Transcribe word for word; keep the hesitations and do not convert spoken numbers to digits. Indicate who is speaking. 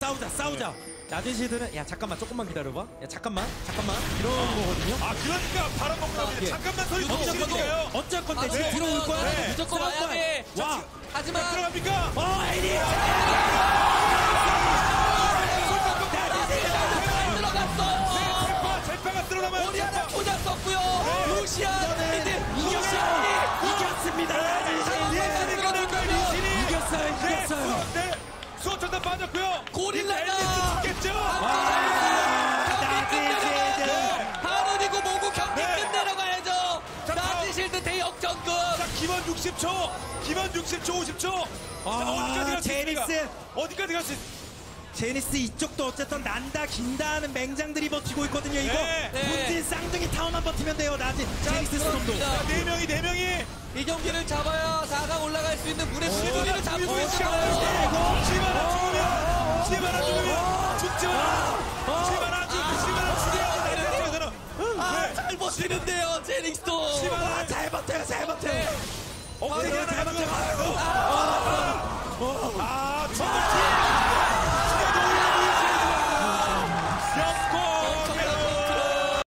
Speaker 1: 싸우자 싸우자. 나대시들은 야 잠깐만 조금만 기다려봐. 야 잠깐만 잠깐만 이런 거거든요.
Speaker 2: 아 그러니까 바람 먹는
Speaker 1: 아,
Speaker 2: 겁니다.
Speaker 1: 예.
Speaker 2: 잠깐만 서 있는
Speaker 1: 어쩔 건데
Speaker 2: 시간이에요.
Speaker 1: 어쩔 건데
Speaker 3: 아,
Speaker 1: 지금
Speaker 3: 네.
Speaker 1: 뒤로 올 거야.
Speaker 2: 네.
Speaker 3: 무조건
Speaker 1: 싸울
Speaker 3: 와야
Speaker 1: 거야.
Speaker 3: 돼.
Speaker 1: 와.
Speaker 3: 하지만
Speaker 2: 들어갑니까?
Speaker 1: 어 에리.
Speaker 3: 잘 들어갔어요.
Speaker 2: 제파 제파가 들어가면
Speaker 3: 우리 하나 포장 썼고요. 루시안
Speaker 1: 이거는
Speaker 3: 미드
Speaker 1: 이겼어요.
Speaker 3: 루시안이
Speaker 1: 이겼습니다.
Speaker 2: 예스니까 될까요? 리신이
Speaker 1: 이겼어요, 이겼어요.
Speaker 2: 네, 수호천사 빠졌고요.
Speaker 3: 고릴라가
Speaker 2: 이제 앨리스 죽겠죠?
Speaker 3: 하늘이고 뭐고 경기
Speaker 2: 네.
Speaker 3: 끝내러 가야죠.
Speaker 2: 자,
Speaker 3: 나지실드 대역전급.
Speaker 2: 자, 기본 육십 초, 기본 육십 초, 오십 초. 자,
Speaker 1: 아,
Speaker 2: 어디까지 갈 수 있습니까?
Speaker 1: 제니스.
Speaker 2: 어디까지 갈 수 있?
Speaker 1: 제니스 이쪽도 어쨌든 난다 긴다 하는 맹장들이 버티고 있거든요. 이거
Speaker 2: 네.
Speaker 1: 본진 쌍둥이 타워만 버티면 돼요. 나지 제니스 스톰도.
Speaker 3: 그렇습니다.
Speaker 2: 네 명이 네 명이.
Speaker 3: 이 경기를 잡아야 사 강 올라갈 수 있는 문의 수비를 잡고
Speaker 2: 죽이고 있어요.
Speaker 3: 있어요.
Speaker 2: 시바나 죽으면, 시바나 죽으면 죽지 마라. 시바나 죽, 시바나 죽여야 돼.
Speaker 3: 아, 잘 버티는데요, 제닉스도.
Speaker 2: 시바나
Speaker 1: 아, 잘 버텨요, 잘 버텨요.
Speaker 2: 엉덩이
Speaker 1: 잘
Speaker 2: 하나
Speaker 1: 버텨요.
Speaker 2: 가지고.
Speaker 3: 아,